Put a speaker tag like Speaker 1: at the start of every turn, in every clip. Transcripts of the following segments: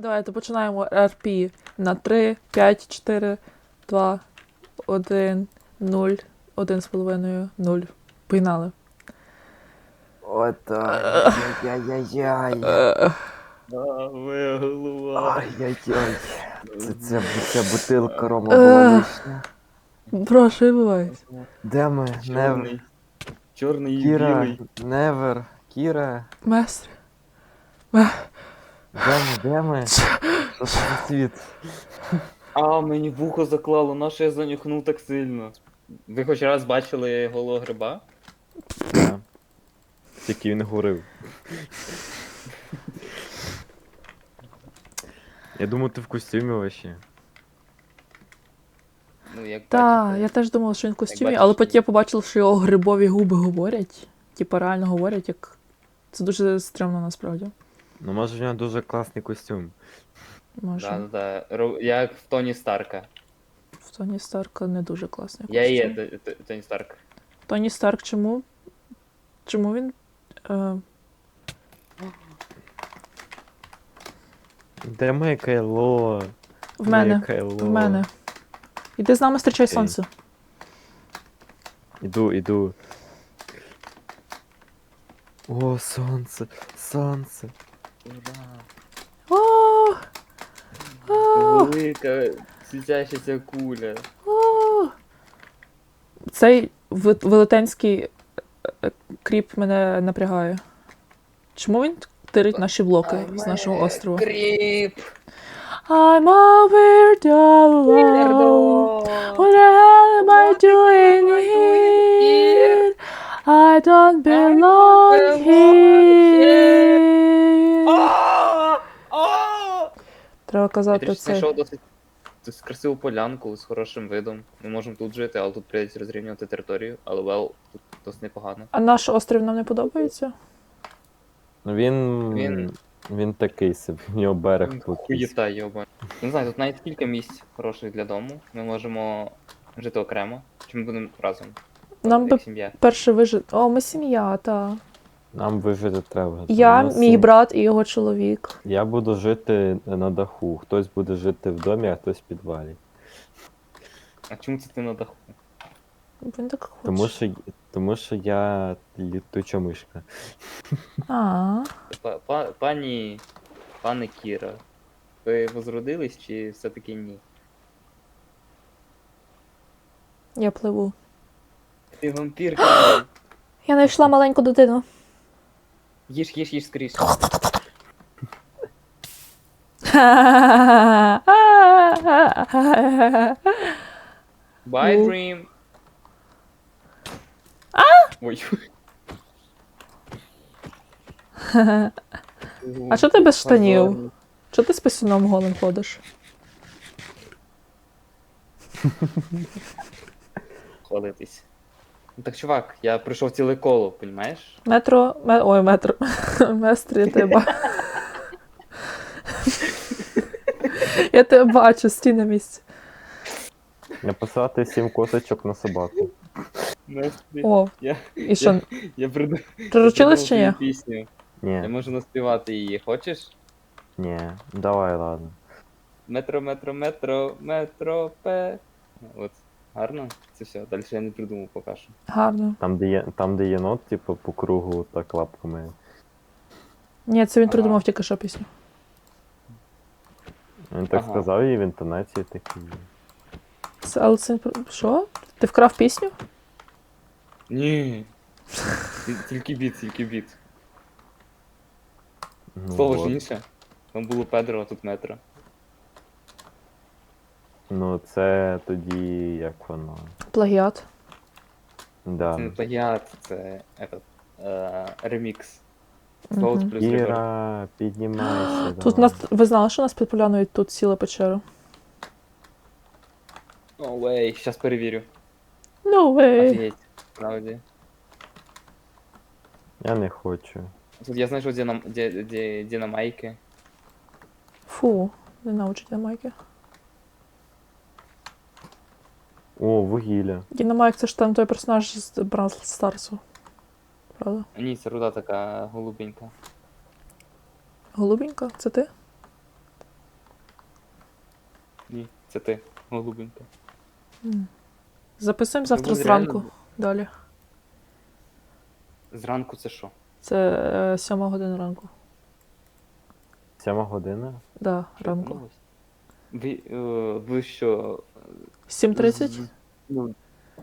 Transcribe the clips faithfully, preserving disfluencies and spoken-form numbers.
Speaker 1: Давайте починаємо ар пі на три, п'ять, чотири, два, один, нуль, один з половиною, нуль. Погнали.
Speaker 2: Отак. Яй-яй-яй.
Speaker 3: А, моя голова.
Speaker 2: Ай-яй-яй. Це, це, ця бутилка рома була лишня.
Speaker 1: Бро, що відбувається?
Speaker 2: Де ми? Невер.
Speaker 3: Чорний. Чорний і
Speaker 2: Кіра.
Speaker 3: білий.
Speaker 2: Невер. Кіра.
Speaker 1: Местр.
Speaker 2: Де ми? Де ми? Що це за світ?
Speaker 3: А, мені вухо заклало, на що я занюхнув так сильно. Ви хоч раз бачили голого гриба?
Speaker 2: Да. Тільки він горив. Я думав, ти в костюмі вообще.
Speaker 3: Ну, як
Speaker 1: Так,
Speaker 3: бачите.
Speaker 1: я теж думала, що він в костюмі,
Speaker 3: бачиш,
Speaker 1: але
Speaker 3: ні.
Speaker 1: потім я побачила, що його грибові губи говорять. Типа реально говорять, як. Це дуже стрімно насправді.
Speaker 2: Ну може в нього дуже класний костюм.
Speaker 1: Може.
Speaker 3: Да, да, да. Ро- Як в Тоні Старка.
Speaker 1: В Тоні Старка не дуже класний
Speaker 3: Я
Speaker 1: костюм.
Speaker 3: і є Т- Т- Тоні Старк.
Speaker 1: Тоні Старк чому? Чому він. Е...
Speaker 2: Де моє кайло?
Speaker 1: В мене.
Speaker 2: Моє кайло.
Speaker 1: В мене. Іди з нами зустрічай
Speaker 2: Окей.
Speaker 1: сонце.
Speaker 2: Іду, іду. О, сонце, сонце.
Speaker 1: О! О!
Speaker 3: Велика світящася куля.
Speaker 1: О! Цей ви- велетенський е, кріп мене напрягає. Чому він тирить наші блоки з нашого острова?
Speaker 3: Кріп!
Speaker 1: I'm over the alone. What the hell am I doing here? I don't belong here.
Speaker 3: А! А!
Speaker 1: Треба
Speaker 3: Я
Speaker 1: казати
Speaker 3: трішки
Speaker 1: це.
Speaker 3: знайшов досить, досить красиву полянку з хорошим видом. Ми можемо тут жити, але тут прийдеться розрівнювати територію, але well, тут досить непогано.
Speaker 1: А наш острів нам не подобається?
Speaker 2: Ну він.
Speaker 3: Він-
Speaker 2: Він такий собі, в нього берег тут.
Speaker 3: Хуєта, йоба. Не знаю, тут навіть кілька місць хороших для дому. Ми можемо жити окремо, чи ми будемо разом.
Speaker 1: Нам
Speaker 3: як
Speaker 1: би
Speaker 3: сім'я.
Speaker 1: перше вижити. О, ми сім'я, та.
Speaker 2: Нам вижити треба.
Speaker 1: Я,
Speaker 2: У нас
Speaker 1: мій
Speaker 2: сім-
Speaker 1: брат і його чоловік.
Speaker 2: Я буду жити на даху. Хтось буде жити в домі, а хтось в підвалі.
Speaker 3: А чому це ти на даху?
Speaker 1: Він так хоче.
Speaker 2: Тому що, тому що я літуча мишка.
Speaker 1: А,
Speaker 3: Па- па- Пані. Пане Кіра. Ви возродились чи все-таки ні?
Speaker 1: я пливу.
Speaker 3: Ти вампір, Кіра.
Speaker 1: Я знайшла маленьку дитину.
Speaker 3: Їж, їж, їж скоріше. Bye,
Speaker 1: Ну.
Speaker 3: Dream. Ой.
Speaker 1: А що ти без штанів? Чого ти з писюном голим ходиш?
Speaker 3: Хвалитись. Ну так, чувак, я пройшов ціле коло, понімаєш?
Speaker 1: Метро. Ме... Ой, метро. Местр, я тебе бачу. Я тебе бачу, стій на місці.
Speaker 2: Написати сім косочок на собаку.
Speaker 3: Настрій.
Speaker 1: О,
Speaker 3: Я,
Speaker 1: і що,
Speaker 3: я приду.
Speaker 1: приручились чи ні?
Speaker 3: Пісню. Я
Speaker 2: Ні,
Speaker 3: можу наспівати її. Хочеш?
Speaker 2: ні. Давай, ладно.
Speaker 3: Метро, метро, метро, метро, пе. От. Гарно? Це все. Далі я не придумав поки що.
Speaker 1: Гарно.
Speaker 2: Там, де є, там, де єнот, типу, по кругу так лапками.
Speaker 1: Ні, це він
Speaker 3: Ага.
Speaker 1: придумав тільки що пісню.
Speaker 2: Він так
Speaker 3: Ага.
Speaker 2: сказав і в інтонації такі.
Speaker 1: Це, але це... Що? Ти вкрав пісню?
Speaker 3: Ні. Ті- Тільки біт, тільки біт.
Speaker 2: Ну,
Speaker 3: Слово
Speaker 2: от.
Speaker 3: ж інше. Там було Педро, а тут метро.
Speaker 2: Ну, це тоді як воно.
Speaker 1: Плагіат.
Speaker 2: Да.
Speaker 3: Це не плагіат, це этот, е, ремікс. Соус
Speaker 1: Мгм.
Speaker 3: плюс ребер.
Speaker 2: Кіра, піднімайся.
Speaker 1: Тут
Speaker 2: давай.
Speaker 1: нас... Ви знали, що нас підполянують тут ціла печера?
Speaker 3: О, вей, щас перевірю.
Speaker 1: No way.
Speaker 3: Офігеть, справді.
Speaker 2: Я не хочу.
Speaker 3: Тут я знайшов динам... ді... ді... динамайки.
Speaker 1: Фу, не научить Дінамайки.
Speaker 2: О, вугілля.
Speaker 1: Дінамайк це ж там той персонаж з Бравл Старсу. Правда?
Speaker 3: Ні, це руда така голубенька.
Speaker 1: Голубенька, це ти?
Speaker 3: Ні, це ти, голубенька.
Speaker 1: М. Записуємо завтра
Speaker 3: буде
Speaker 1: зранку.
Speaker 3: реально-
Speaker 1: Далі.
Speaker 3: Зранку це що?
Speaker 1: Це е, сьома година ранку.
Speaker 2: Сьома година?
Speaker 1: Да,
Speaker 3: Що,
Speaker 1: ранку.
Speaker 3: помилилась? Ви, е, ви що?
Speaker 1: сім тридцять?
Speaker 3: з- Ну,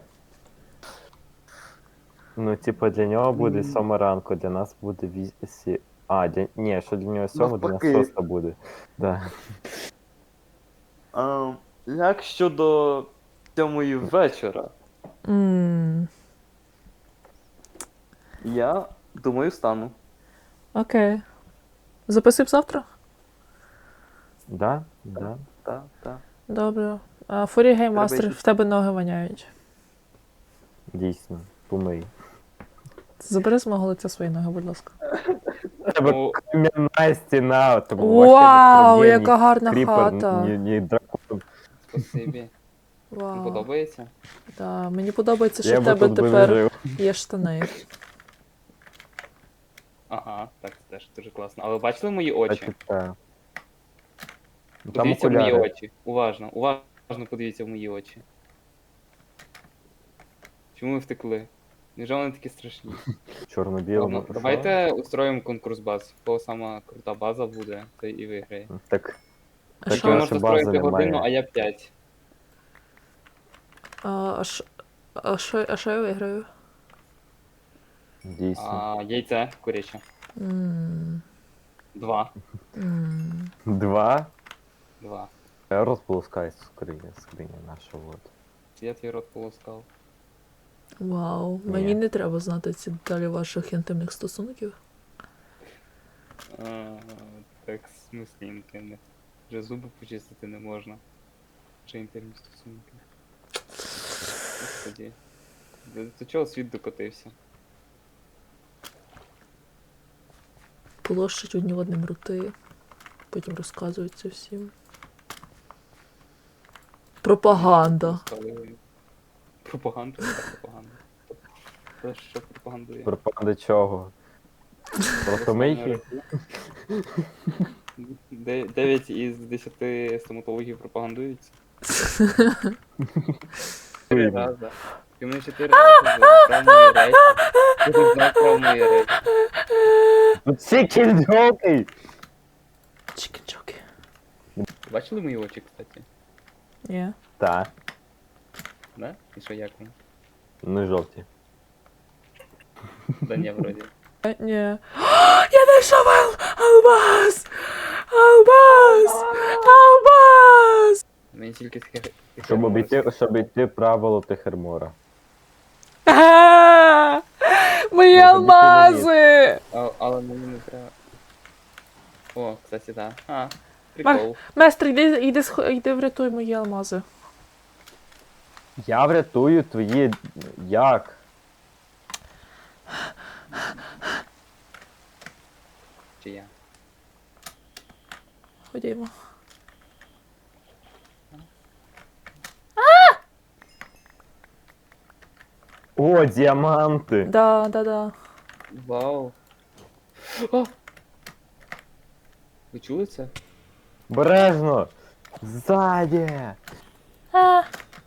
Speaker 2: Ну, типу, для нього буде
Speaker 3: М.
Speaker 2: сьома ранку, для нас буде вісі. А, для... ні, що для нього сьома, для нас
Speaker 3: Навпаки.
Speaker 2: шоста буде. Да.
Speaker 3: а, як щодо сьомої вечора?
Speaker 1: М.
Speaker 3: Я думаю, стану.
Speaker 1: Окей. Записуємо завтра?
Speaker 2: Да? Да.
Speaker 3: Так, так.
Speaker 1: Добре. А, Фурі гейммастер,
Speaker 3: Треба
Speaker 1: в тебе ноги воняють.
Speaker 2: Дійсно. Помий.
Speaker 1: Забери з мого лиця свої ноги, будь ласка.
Speaker 2: Тебе
Speaker 3: Ну,
Speaker 2: кам'яна стіна, тому
Speaker 1: Вау,
Speaker 2: вообще без
Speaker 1: яка гарна
Speaker 2: кріпер,
Speaker 1: хата.
Speaker 2: ні, ні дракон.
Speaker 3: спасибі. Тобі
Speaker 1: Вау.
Speaker 3: подобається?
Speaker 1: Да, мені подобається, що
Speaker 2: Я
Speaker 1: в
Speaker 2: би
Speaker 1: тебе
Speaker 2: тут би не
Speaker 1: тепер
Speaker 2: жив.
Speaker 1: є штани.
Speaker 3: Ага, так, це теж дуже класно. Але бачили мої очі?
Speaker 2: Так, так. Ну, Там
Speaker 3: Подивіться в мої
Speaker 2: окуляри.
Speaker 3: очі. Уважно, уважно подивіться в мої очі. Чому ви втекли? Невже вони такі страшні?
Speaker 2: Чорно-білому.
Speaker 3: Ладно, давайте устроїмо конкурс баз. В кого сама крута база буде, той і виграє.
Speaker 2: Що? Так,
Speaker 1: А
Speaker 2: Так,
Speaker 3: Ви
Speaker 1: що?
Speaker 2: я-
Speaker 3: можете
Speaker 2: бази
Speaker 3: строїти годину,
Speaker 2: немає.
Speaker 3: а я п'ять.
Speaker 1: А, а що- а що а що я виграю?
Speaker 2: дійсно.
Speaker 3: А яйце куряче.
Speaker 1: М,
Speaker 3: Два.
Speaker 1: м.
Speaker 2: Два.
Speaker 3: Два.
Speaker 2: Розполускай скриня, скриня наша, от.
Speaker 3: Я твій рот полоскав.
Speaker 1: Вау,
Speaker 2: Ні.
Speaker 1: мені не треба знати ці деталі ваших інтимних стосунків.
Speaker 3: А, так, в смислі інтимних. Вже зуби почистити не можна. Вже інтимні стосунки. Господи. До, до чого світ докотився?
Speaker 1: Полощать одні одним роти, потім розказують це всім. Пропаганда.
Speaker 3: Стали- Пропаганда? Яка пропаганда? Хто що пропагандує?
Speaker 2: Пропаде чого? Просто мийки?
Speaker 3: Де- Дев'ять із десяти стоматологів пропагандуються. Чотири рази. Ти мене чотири рази про мої речі. Ти тут знав про мої речі.
Speaker 2: Тут всі кільджоки!
Speaker 1: Чіки-чоки.
Speaker 3: Бачили мої очі, кстати?
Speaker 1: Ні.
Speaker 2: Та,
Speaker 3: Да? І що, як вам?
Speaker 2: ну жовті.
Speaker 3: Да ні, вроді.
Speaker 1: Е, Ні. Я знайшов ал- Албас! Албас! Албас!
Speaker 3: Мені тільки таке... таке
Speaker 2: Щоб обійти,
Speaker 3: морозко.
Speaker 2: щоб обійти правило Техермора.
Speaker 1: А, Мої
Speaker 2: Ну,
Speaker 1: алмази!
Speaker 3: А, але мені не треба. О, кстати, да. А, прикол.
Speaker 1: Местр, йди, йди, сх- йди врятуй мої алмази.
Speaker 2: Я врятую твої. Як?
Speaker 3: Чи я?
Speaker 1: Ходімо.
Speaker 2: О, діаманти!
Speaker 1: Да, да, да.
Speaker 3: Вау. О! Ви чули це?
Speaker 2: Бережно! Ззаді!
Speaker 1: А,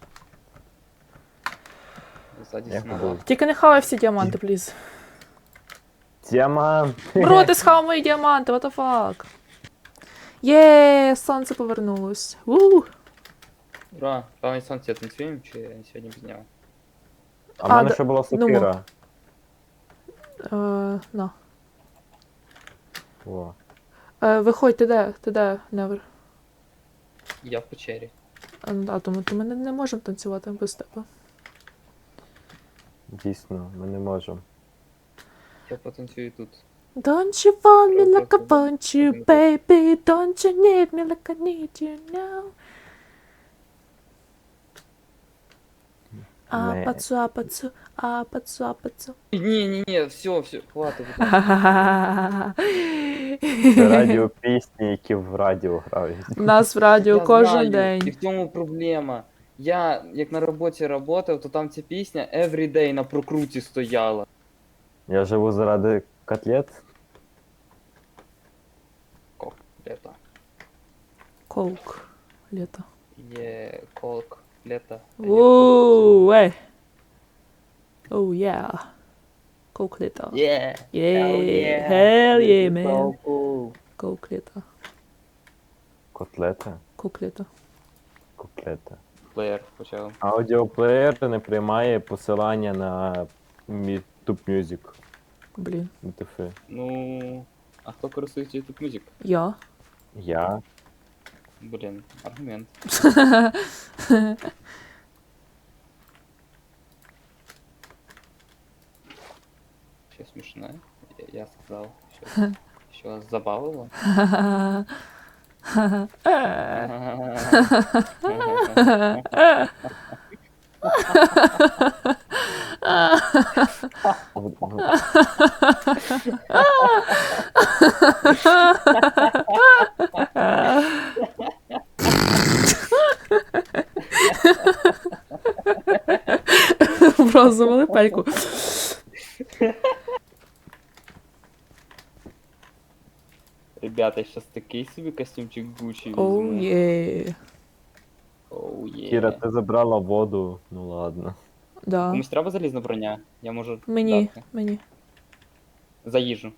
Speaker 3: Ззаді
Speaker 2: Як
Speaker 3: снова.
Speaker 2: було?
Speaker 1: тільки не хавай всі діаманти, пліз.
Speaker 2: Діаманти!
Speaker 1: Бро, ти схавав мої діаманти, what the fuck? Є, сонце повернулось. У.
Speaker 3: Ура! Певний сонце танцюємо чи сьогодні без нього?
Speaker 2: А в мене
Speaker 1: да-
Speaker 2: ще була
Speaker 1: ну,
Speaker 2: сокира.
Speaker 1: Е, на.
Speaker 2: О.
Speaker 1: Е, виходь, ти де? Ти де, Невер?
Speaker 3: Я в печері.
Speaker 1: А, а тому то ми не, не можемо танцювати без тебе.
Speaker 2: Дійсно, ми не можемо.
Speaker 3: Я потанцюю тут.
Speaker 1: Don't you want me
Speaker 3: Просто
Speaker 1: like I want you,
Speaker 3: подумати.
Speaker 1: baby? Don't you need me like I need you now?
Speaker 2: Не.
Speaker 1: Апацу, апацу, апацу, апацу.
Speaker 3: Ні, ні, ні, все, все, хватить.
Speaker 2: Це радіо пісні, які в радіо грають.
Speaker 1: У нас в радіо
Speaker 3: Я
Speaker 1: кожен
Speaker 3: знаю, І
Speaker 1: день.
Speaker 3: в цьому проблема. Я, як на роботі працював, то там ця пісня every day на прокруті стояла.
Speaker 2: Я живу заради котлет.
Speaker 3: Ко, лето.
Speaker 1: Коук. Літо.
Speaker 3: Є колк, лето.
Speaker 1: Воу, ей. Оу, yeah. Коукліта.
Speaker 3: Yeah.
Speaker 1: Yeah. Hell yeah, man.
Speaker 3: So cool.
Speaker 1: Коукліта.
Speaker 2: Котлета?
Speaker 1: Коукліта.
Speaker 2: Котлета.
Speaker 3: Плеєр почав.
Speaker 2: Аудіоплеєр не приймає посилання на YouTube Music.
Speaker 1: Блін.
Speaker 2: ем те еф.
Speaker 3: Ну, а хто користується YouTube Music?
Speaker 1: Я.
Speaker 2: Я.
Speaker 3: Блін, аргумент. Що смішне? Я, я сказав, що, що вас забавило.
Speaker 1: Просто завали пельку.
Speaker 3: Ребята, щас такий собі костюмчик Гуччі
Speaker 1: Оу,
Speaker 3: візьму.
Speaker 1: є.
Speaker 3: Оу є.
Speaker 2: Кіра, ти забрала воду, ну ладно.
Speaker 1: Да.
Speaker 3: Комусь треба залізна броня? Я можу
Speaker 1: Мені,
Speaker 3: дати.
Speaker 1: мені.
Speaker 3: За їжу.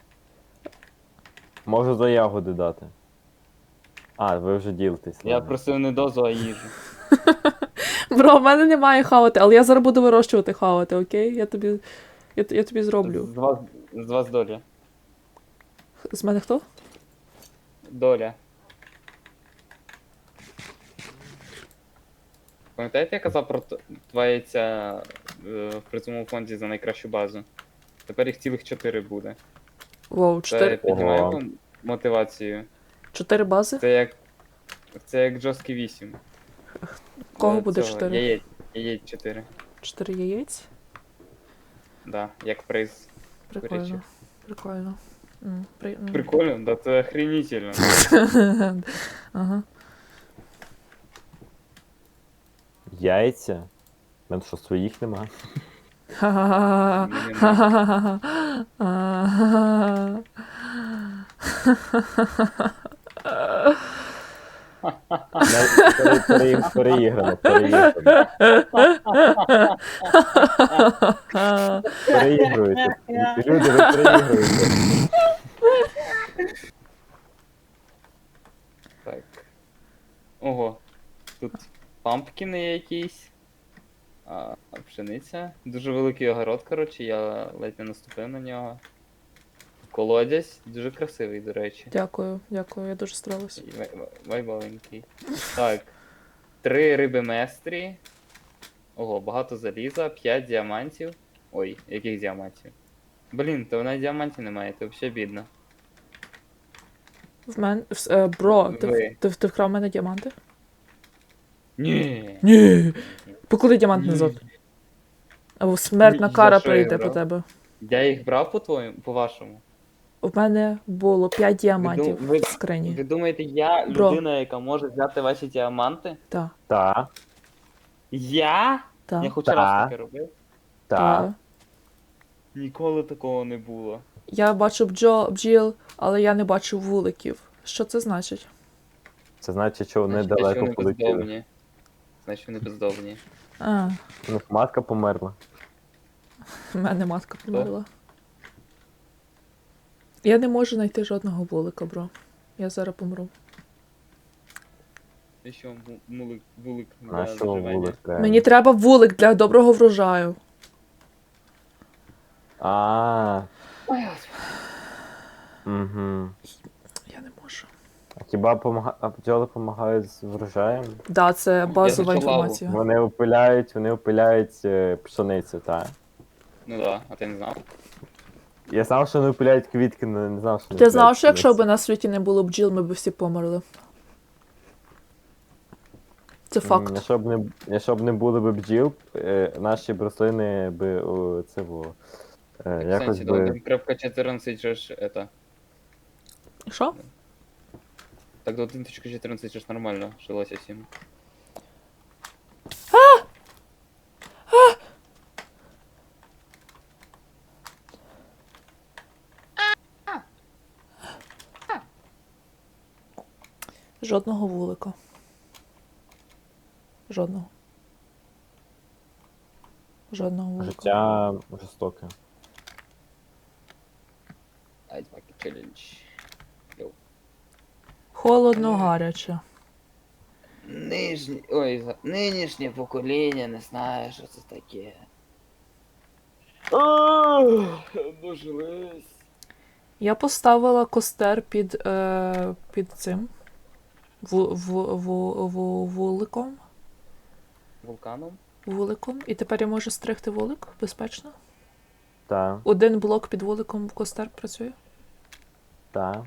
Speaker 2: Можу за ягоди дати. А, ви вже ділитесь.
Speaker 3: Я
Speaker 2: ладно.
Speaker 3: просив не дозу, а їжу.
Speaker 1: Бро, в мене немає хавати, але я зараз буду вирощувати хавати, окей? Я тобі. Я, я тобі зроблю.
Speaker 3: З вас, з вас доля.
Speaker 1: З мене хто?
Speaker 3: Доля. Пам'ятаєте, я казав про т- два яйця е, в призовому фонді за найкращу базу? Тепер їх цілих чотири буде.
Speaker 1: Воу,
Speaker 3: Це
Speaker 1: чотири,
Speaker 3: піднімає
Speaker 2: Ого.
Speaker 3: вам мотивацію.
Speaker 1: чотири бази?
Speaker 3: Це як. Це як Джоскі вісім.
Speaker 1: Кого
Speaker 3: Е,
Speaker 1: буде
Speaker 3: цього,
Speaker 1: чотири?
Speaker 3: Яєць, яєць чотири.
Speaker 1: Чотири яєць?
Speaker 3: Да, як приз.
Speaker 1: Прикольно.
Speaker 3: Курячих.
Speaker 1: Прикольно. М, при... м.
Speaker 3: Прикольно, да це охренительно.
Speaker 1: Ага.
Speaker 2: Яйця? У мене що, своїх нема?
Speaker 1: Ха-ха-ха.
Speaker 3: Мені
Speaker 1: Ха-ха-ха. Ага.
Speaker 2: Навіть пере- пере- Переіграно, переіграно. Переігруєте. Люди, ви переігруєте.
Speaker 3: Так. Ого. Тут пампкіни є якісь. А, пшениця. Дуже великий огород, коротше, я ледь не наступив на нього. Колодязь, дуже красивий, до речі.
Speaker 1: Дякую, дякую, я дуже старалась.
Speaker 3: І вай- вай- Вайбовенький. Так. Три риби местрі. Ого, багато заліза, п'ять діамантів. Ой, яких діамантів? Блін, то вона діамантів немає, це взагалі бідно.
Speaker 1: В мене. в- е, Бро, ти,
Speaker 3: Ви.
Speaker 1: ти, ти вкрав в мене діаманти?
Speaker 3: Ні.
Speaker 1: Ні. Поклади діамант
Speaker 3: Ні.
Speaker 1: назад. Або смертна
Speaker 3: Ні,
Speaker 1: кара
Speaker 3: за що я
Speaker 1: прийде
Speaker 3: брав?
Speaker 1: по тебе.
Speaker 3: Я їх брав по твоєму, по вашому.
Speaker 1: У мене було п'ять діамантів
Speaker 3: ви-
Speaker 1: в скрині.
Speaker 3: Ви думаєте, я
Speaker 1: Бро.
Speaker 3: людина, яка може взяти ваші діаманти?
Speaker 1: Так,
Speaker 2: Та,
Speaker 3: Я? Я
Speaker 1: так,
Speaker 3: хоч
Speaker 2: Та.
Speaker 3: раз таке робив.
Speaker 2: та.
Speaker 1: так.
Speaker 3: Ніколи такого не було.
Speaker 1: Я бачу бджо, бджіл, але я не бачу вуликів. Що це значить?
Speaker 2: Це значить, що вони
Speaker 3: Значить, що
Speaker 2: далеко
Speaker 3: вони
Speaker 2: полетіли.
Speaker 3: бездомні. Значить, вони бездомні.
Speaker 1: А,
Speaker 2: У них матка померла.
Speaker 1: в мене матка померла. Я не можу знайти жодного вулика, бро. Я зараз помру.
Speaker 3: І що, му- мулик, вулик для
Speaker 2: На що
Speaker 3: заживання?
Speaker 2: вулик треба?
Speaker 1: Мені треба вулик для доброго врожаю.
Speaker 2: А,
Speaker 3: Ой, господи.
Speaker 2: угу.
Speaker 1: Я не можу.
Speaker 2: А хіба помага... а бджоли допомагають з врожаєм?
Speaker 1: Да, це базова
Speaker 3: зачала лаву.
Speaker 1: інформація.
Speaker 2: Вони опиляють, вони опиляють е, пшеницю, так.
Speaker 3: Ну да, а ти не знав?
Speaker 2: Я знав, що вони опиляють квітки, але не знав, що вони
Speaker 1: Ти знав,
Speaker 2: опиляють
Speaker 1: що якщо б
Speaker 2: пшеницю.
Speaker 1: на світі не було бджіл, ми б всі померли. Це
Speaker 2: М,
Speaker 1: факт.
Speaker 2: Якщо б не, якщо б не було б бджіл, е, наші б рослини би о, це було. Е,
Speaker 3: В
Speaker 2: якось
Speaker 3: сенсі, до
Speaker 2: би.
Speaker 3: один крапка чотирнадцять же ж это.
Speaker 1: Що?
Speaker 3: Так до один точка чотирнадцять же ж нормально жилося всім.
Speaker 1: Жодного вулика. Жодного. Жодного вулика.
Speaker 2: Життя жорстоке.
Speaker 3: Ice Bucket Challenge. Йоу.
Speaker 1: Холодно, гаряче.
Speaker 3: Нижні... Ой, за... нинішнє покоління не знає, що це таке. Дожились.
Speaker 1: Я поставила костер під, е, під цим. В, в, в, в, вуликом.
Speaker 3: Вулканом?
Speaker 1: Вуликом. І тепер я можу стригти вулик безпечно.
Speaker 2: Та,
Speaker 1: Один блок під вуликом в костер працює.
Speaker 2: та.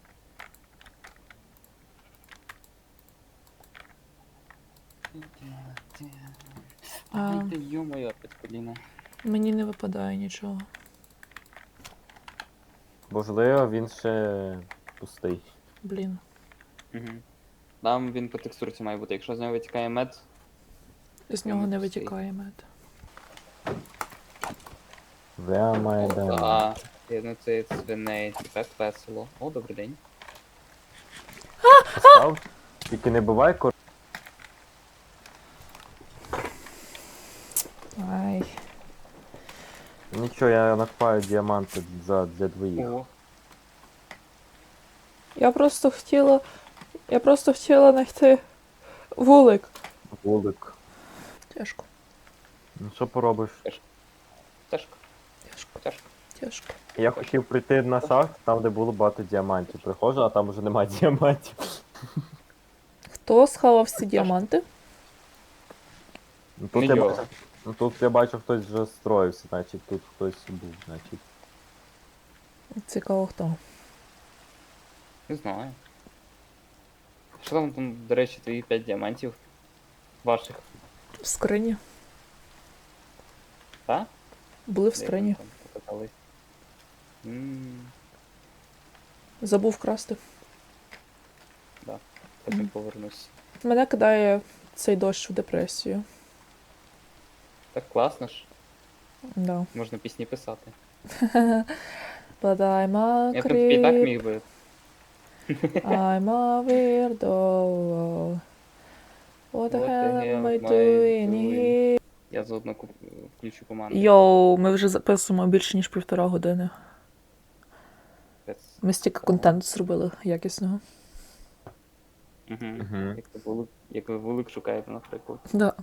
Speaker 1: А,
Speaker 3: Ай, ти йо-моє, опять коліна.
Speaker 1: мені не випадає нічого.
Speaker 2: Можливо, він ще пустий.
Speaker 1: Блін.
Speaker 3: Угу. Там він по текстурці має бути. Якщо з нього витікає мед,
Speaker 1: З
Speaker 3: Я
Speaker 1: нього не
Speaker 3: не пустий.
Speaker 1: витікає мед.
Speaker 2: Where my
Speaker 3: о,
Speaker 2: diamond?
Speaker 3: а, геноцид свиней, це так весело. О, добрий день.
Speaker 2: Постав? Тільки не бувай кор...
Speaker 1: Ай.
Speaker 2: Нічого, я накопаю діаманти за, для двоїх.
Speaker 3: Ого.
Speaker 1: Я просто хотіла. Я просто хотіла знайти вулик.
Speaker 2: Вулик.
Speaker 1: Тяжко,
Speaker 2: Ну що поробиш?
Speaker 3: Тяжко,
Speaker 1: тяжко,
Speaker 3: тяжко.
Speaker 1: тяжко.
Speaker 2: Я хотів прийти на шахт, там де було багато діамантів. Приходжу, а там вже немає діамантів.
Speaker 1: Хто схавав всі діаманти?
Speaker 2: Ну, тут,
Speaker 3: Не
Speaker 2: я
Speaker 3: йо.
Speaker 2: бачу, ну, тут я бачу, хтось вже строївся, значить тут хтось був, значить.
Speaker 1: Цікаво хто.
Speaker 3: Не знаю. Що там, там, до речі, твої п'ять діамантів? Ваших,
Speaker 1: В скрині.
Speaker 3: так?
Speaker 1: Були в
Speaker 3: Де
Speaker 1: скрині.
Speaker 3: там покатались? Ммм,
Speaker 1: Забув красти.
Speaker 3: потім
Speaker 1: Мгм.
Speaker 3: повернусь.
Speaker 1: Мене кидає цей дощ в депресію.
Speaker 3: Так класно ж,
Speaker 1: Да.
Speaker 3: можна пісні писати.
Speaker 1: But I'm a
Speaker 3: Я в принципі і так
Speaker 1: creep,
Speaker 3: міг би.
Speaker 1: I'm a weirdo. What the hell am I doing here?
Speaker 3: Я заодно куп... включу команду.
Speaker 1: Йоу, ми вже записуємо більше ніж півтора години.
Speaker 3: Пец.
Speaker 1: Ми стільки контенту зробили якісного.
Speaker 3: Угу.
Speaker 2: Мгм.
Speaker 3: Як, ви вулик, як ви вулик шукаєте, наприклад.
Speaker 1: Да.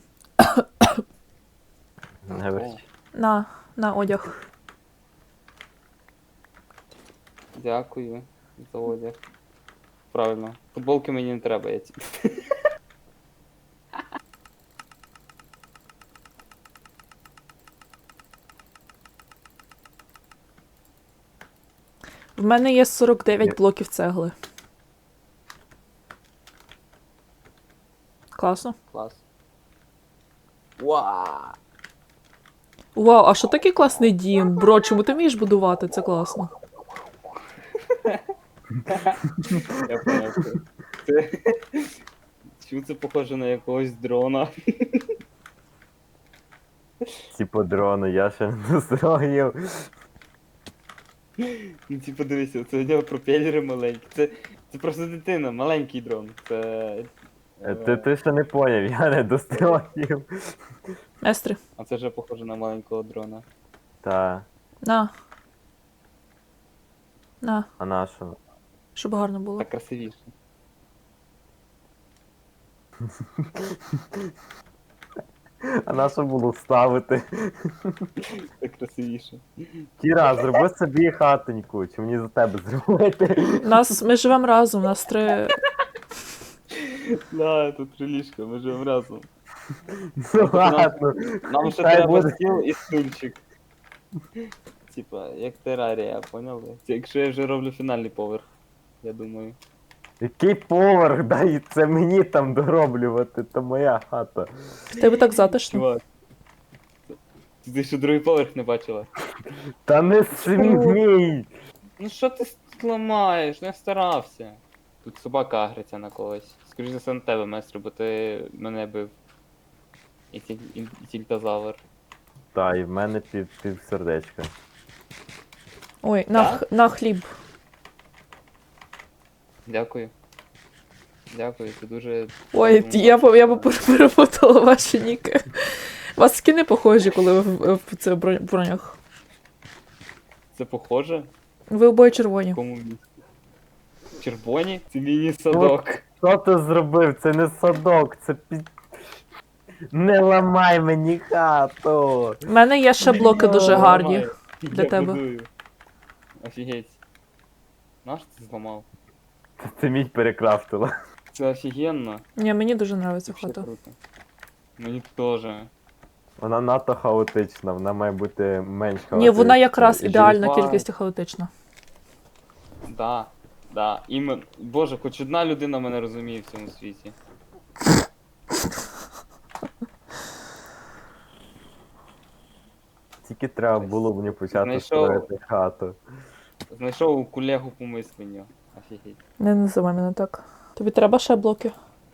Speaker 2: Не верч.
Speaker 1: На, на одяг.
Speaker 3: Дякую за одяг. Правильно. Футболки мені не треба, я ці.
Speaker 1: В мене є сорок дев'ять
Speaker 2: Є.
Speaker 1: блоків цегли. Класно.
Speaker 3: Клас. Уа!
Speaker 1: Вау, а що такий класний дім? Бро, чому ти вмієш будувати? Це класно.
Speaker 3: Я поняв. Це... це... Чому це похоже на якогось дрона?
Speaker 2: Типу дрони, я ще не достроїв.
Speaker 3: Ну, типу, дивися, це у нього пропелери маленькі. Це, це просто дитина, маленький дрон. Це.
Speaker 2: Е, Ти, ти ще не поняв, я не достроїв.
Speaker 1: Естри,
Speaker 3: А це вже похоже на маленького дрона.
Speaker 2: Та,
Speaker 1: на. На,
Speaker 2: а на що?
Speaker 1: щоб гарно було.
Speaker 3: Так красивіше.
Speaker 2: А на що було вставити?
Speaker 3: Так красивіше.
Speaker 2: Кіра, зроби собі хатоньку, чи мені за тебе зробити?
Speaker 1: Нас, ми живемо разом, нас три.
Speaker 3: Да, тут три ліжка, ми живемо разом.
Speaker 2: Ну ладно.
Speaker 3: Нам ще
Speaker 2: Хай
Speaker 3: треба
Speaker 2: буде.
Speaker 3: стіл і стульчик. Типа, як терарія, поняли? Це якщо я вже роблю фінальний поверх, я думаю.
Speaker 2: Який поверх, дай це мені там дороблювати, то моя хата.
Speaker 1: В тебе так затишно.
Speaker 3: Чувак. Ти, ти ще другий поверх не бачила?
Speaker 2: Та не смій!
Speaker 3: Ну що ти ламаєш? Не старався. Тут собака агриться на когось. Скоріше за все на тебе, майстер, бо ти мене бив. І, тіль, і, і тільтазавр.
Speaker 2: Та, і в мене пів, пів сердечка.
Speaker 1: Ой, на,
Speaker 3: Так?
Speaker 1: х- на хліб.
Speaker 3: Дякую. Дякую, це дуже.
Speaker 1: Ой,
Speaker 3: дуже
Speaker 1: я,
Speaker 3: мило.
Speaker 1: по- я б пер- перепутала ваші ніки. У вас скини похожі, коли ви в, в, це бро- бронях.
Speaker 3: Це похоже?
Speaker 1: Ви обоє
Speaker 3: В
Speaker 1: червоні.
Speaker 3: якому місці? Червоні? Це міні-садок.
Speaker 2: Що ти зробив? Це не садок, це під... Не ламай мені хату!
Speaker 1: У мене є ще блоки дуже
Speaker 3: Я
Speaker 1: гарні.
Speaker 3: ламаю.
Speaker 1: для
Speaker 3: Я
Speaker 1: тебе.
Speaker 3: будую. Офігеть. Наш ти зламав?
Speaker 2: Ти мій перекрафтила.
Speaker 3: Це офігенно.
Speaker 1: Ні, мені дуже подобається
Speaker 3: Вообще
Speaker 1: хата.
Speaker 3: круто. Мені теж.
Speaker 2: Вона надто хаотична, вона має бути менш хаотична.
Speaker 1: Ні, вона якраз
Speaker 2: І
Speaker 1: ідеальна
Speaker 3: жива.
Speaker 1: кількість і хаотична.
Speaker 3: Да, да. Імен... Боже, хоч одна людина мене розуміє в цьому світі.
Speaker 2: Тільки треба було мені почати
Speaker 3: Знайшов.
Speaker 2: строїти хату.
Speaker 3: Знайшов колегу по мисленню. Офігеть.
Speaker 1: Не називай мене так. Тобі треба ще блоки?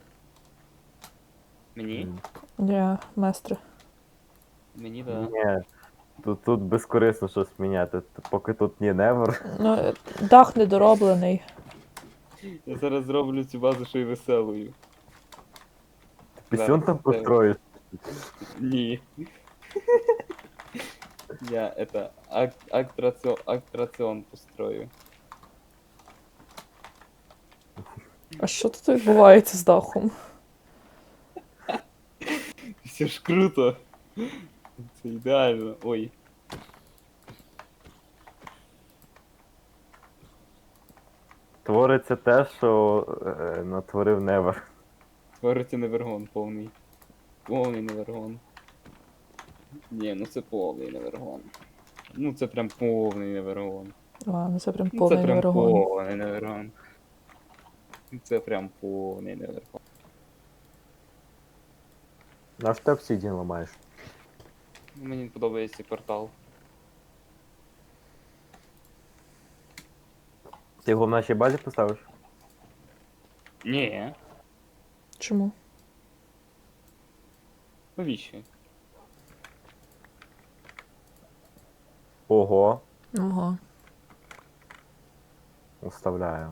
Speaker 3: Мені?
Speaker 1: Ні, местри.
Speaker 3: Мені да.
Speaker 2: Ні. Тут, тут безкорисно щось міняти. Поки тут ні невер.
Speaker 1: Ну, е, дах недороблений.
Speaker 3: Я зараз зроблю цю базу ще й веселою.
Speaker 2: Пісюн
Speaker 3: Зараз
Speaker 2: там
Speaker 3: це-
Speaker 2: построїш.
Speaker 3: Ні. Я это ак актраціон, актраціон построю.
Speaker 1: А що тут відбувається з дахом?
Speaker 3: Все ж круто. Це ідеально. Ой.
Speaker 2: Твориться те, що е, натворив невер.
Speaker 3: Твориться невергон повний. Повний невергон. Ні, ну це повний невергон. Ну це прям повний невергон.
Speaker 1: А, ну це прям
Speaker 3: Ну,
Speaker 1: повний
Speaker 3: це прям
Speaker 1: невергон.
Speaker 3: повний невергон. Це прям повний невергон.
Speaker 2: На що ти обсідіан ламаєш?
Speaker 3: Мені подобається портал.
Speaker 2: Ти його в нашій базі поставиш?
Speaker 3: Ні.
Speaker 1: Чому?
Speaker 3: Навіщо?
Speaker 2: Ого,
Speaker 1: Ого.
Speaker 2: уставляю.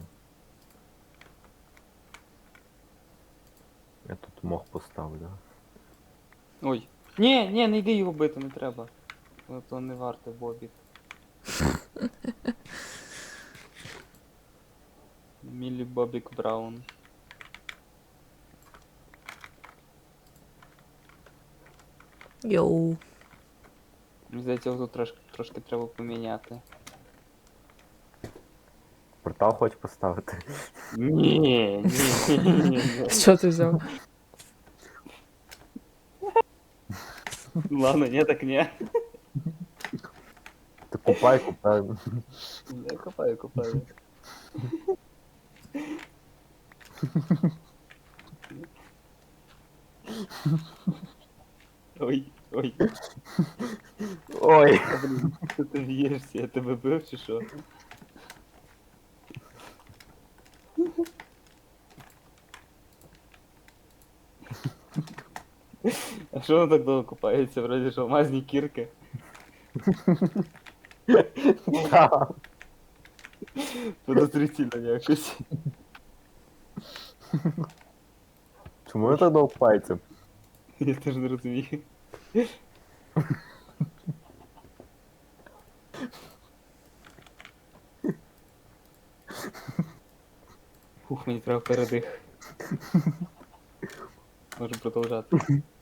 Speaker 2: Я тут мох поставлю.
Speaker 3: Ой. Ні, ні, не йди його бити, не треба. Ну, то не варте Бобік. Міллі Бобік Браун.
Speaker 1: Йоу.
Speaker 3: Мені здається, його тут трошки, трошки треба поміняти.
Speaker 2: Портал хочеш поставити?
Speaker 3: Ні, ні, ні, ні.
Speaker 1: Що ти взяв?
Speaker 3: Ладно, ні, так ні.
Speaker 2: Ти купай, купай.
Speaker 3: Я копаю, копаю. Ой, ой.
Speaker 2: Ой.
Speaker 3: А, блін, що ти б'єшся? Я тебе бив чи що? А що воно так довго копається? Вроді ж алмазні кірки.
Speaker 2: Так.
Speaker 3: Подозрительно якось.
Speaker 2: Чому я так довго пальцем?
Speaker 3: Я теж не розумію. Фух, мені треба передих. Можу продовжати.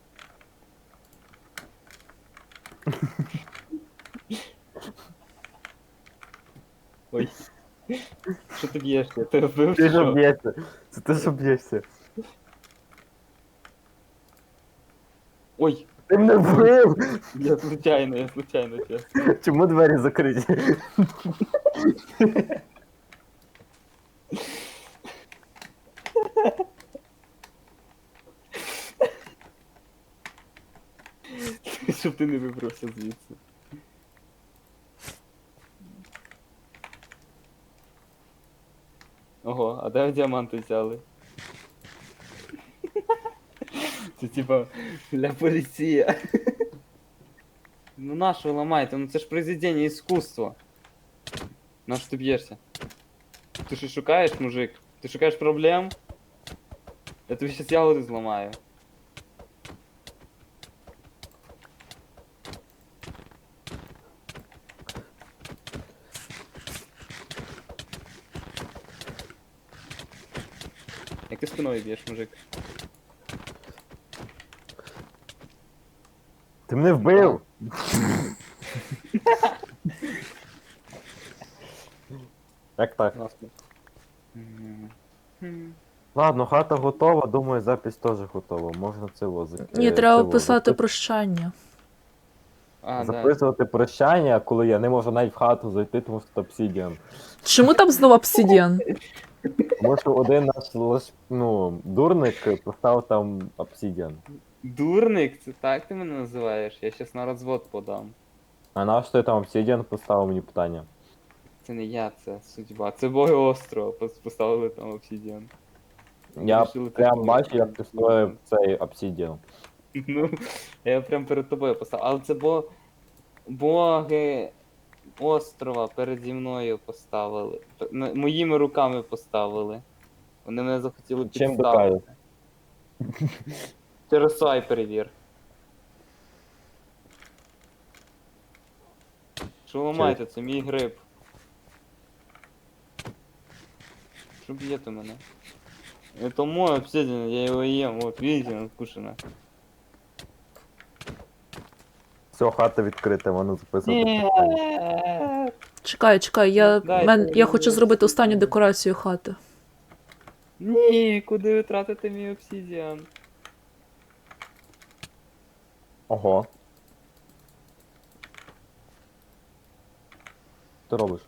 Speaker 3: Ой. Що ти б'єшся? Я тебе вбив
Speaker 2: Ти
Speaker 3: чи
Speaker 2: ж
Speaker 3: що?
Speaker 2: б'єшся. Це ти ж б'єшся.
Speaker 3: Ой,
Speaker 2: Ти мене вбив!
Speaker 3: я случайно, я случайно, чесно.
Speaker 2: Чому двері закриті?
Speaker 3: Щоб ти не вибрався звідси. Ого, а де діаманти взяли? Це типа для поліції. Ну на що ви ламаєте? Ну це ж произведення іскусства. На що ти б'єшся? Ти що шукаєш, мужик? Ти шукаєш проблем? Я тобі щас ягоди зламаю. Як ти спиною б'єш, мужик?
Speaker 2: Ти мене вбив! Як так?
Speaker 3: Класно. Мгм.
Speaker 2: Ладно, хата готова, думаю, запись теж готова. Можна це возити.
Speaker 1: Ні, треба писати прощання.
Speaker 3: А, да.
Speaker 2: Записувати прощання, коли я не можу навіть в хату зайти, тому що тут обсідіан.
Speaker 1: Чому там знову обсидіан?
Speaker 2: Тому що один наш лиш, ну, дурник поставив там обсідіан.
Speaker 3: Дурник, це так ти мене називаєш? Я щас на розвод подам.
Speaker 2: А наш ти там обсідіан поставив мені питання?
Speaker 3: Це не я, це судьба. Це боги острова пос- поставили там обсідіан.
Speaker 2: Я
Speaker 3: Вирішили
Speaker 2: прям
Speaker 3: такого.
Speaker 2: бачу, як ти строїв цей обсідіан.
Speaker 3: Ну, я прям перед тобою поставив. Але це бо... боги острова переді мною поставили. П- н- Моїми руками поставили. Вони мене захотіли
Speaker 2: Чим
Speaker 3: підставити. Через свай перевір. Що ламаєте, це мій гриб. Що б'єте мене? Это мой обсидиан, я его ем, вот видите, надкушено.
Speaker 2: Все, хата відкрита, воно записувати. питання.
Speaker 1: Чекай, чекай, я,
Speaker 3: Дайте
Speaker 1: мен, я
Speaker 3: мені
Speaker 1: хочу зробити останню
Speaker 3: обсидіан.
Speaker 1: декорацію хати.
Speaker 3: Ні, куди ви тратите мій обсидіан?
Speaker 2: Ого. Що ти робиш?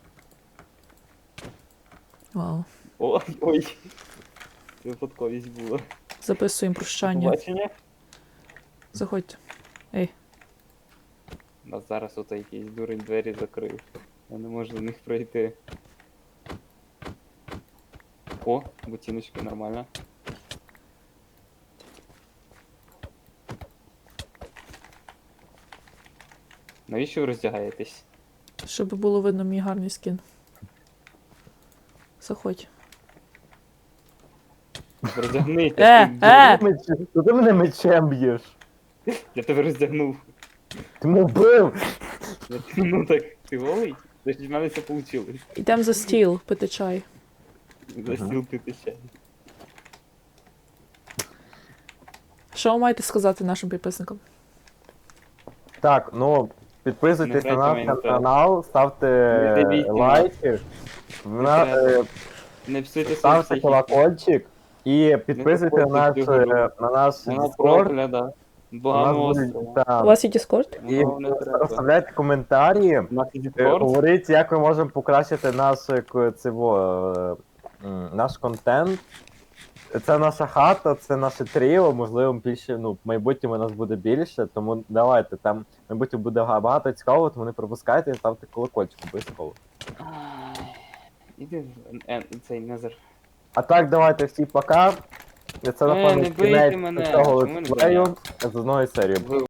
Speaker 1: Вау.
Speaker 3: Ой, ой. Це випадковість була.
Speaker 1: Записуємо прощання.
Speaker 3: Побачення?
Speaker 1: Заходьте. Ей.
Speaker 3: А зараз ото якийсь дурень двері закрив. Я не можу до них пройти. О, ботиночки, нормально. Навіщо ви роздягаєтесь?
Speaker 1: Щоб було видно мій гарний скін. Заходь.
Speaker 3: Роздягнися.
Speaker 1: Е,
Speaker 3: ти
Speaker 1: е!
Speaker 3: дурень.
Speaker 2: Меч- Що ти мене мечем б'єш?
Speaker 3: Я тебе роздягнув.
Speaker 2: Ти мене вбив!
Speaker 3: Ну так, ти голий? Значить, в мене все вийшло.
Speaker 1: Йдемо за стіл пити чай.
Speaker 3: За стіл пити чай.
Speaker 1: Що ви маєте сказати нашим підписникам?
Speaker 2: Так, ну, підписуйтесь
Speaker 3: Не
Speaker 2: на
Speaker 3: грайте
Speaker 2: наш
Speaker 3: Майнкрафт.
Speaker 2: канал, ставте
Speaker 3: Не дивіться
Speaker 2: лайки, на-
Speaker 3: треба.
Speaker 2: е,
Speaker 3: Не псуйте свою
Speaker 2: ставте
Speaker 3: психіку.
Speaker 2: колокольчик і підписуйте на наш,
Speaker 3: заходьте в
Speaker 2: е, на наш
Speaker 3: Вона
Speaker 2: Discord.
Speaker 3: прокляда.
Speaker 2: У нас
Speaker 3: Богами
Speaker 2: будуть
Speaker 3: острова.
Speaker 2: там.
Speaker 1: У вас є Discord?
Speaker 2: І
Speaker 3: Воно не треба.
Speaker 2: оставляйте коментарі.
Speaker 3: У нас є
Speaker 2: Е,
Speaker 3: Discord.
Speaker 2: Говоріть, як ми можемо покращити наш, е, к- цього, е, м, наш контент. Це наша хата, це наше тріо, можливо, більше, ну, в майбутньому нас буде більше, тому давайте, там в майбутньому буде га- багато цікавого, тому не пропускайте і ставте колокольчик обов'язково.
Speaker 3: Ай, Іди в Ен- цей Незер.
Speaker 2: А так, давайте всі пока. Це,
Speaker 3: Е,
Speaker 2: напевно,
Speaker 3: не бийте
Speaker 2: кінець
Speaker 3: мене.
Speaker 2: цього
Speaker 3: Чому ви не
Speaker 2: летсплею з одної серії.
Speaker 3: Ви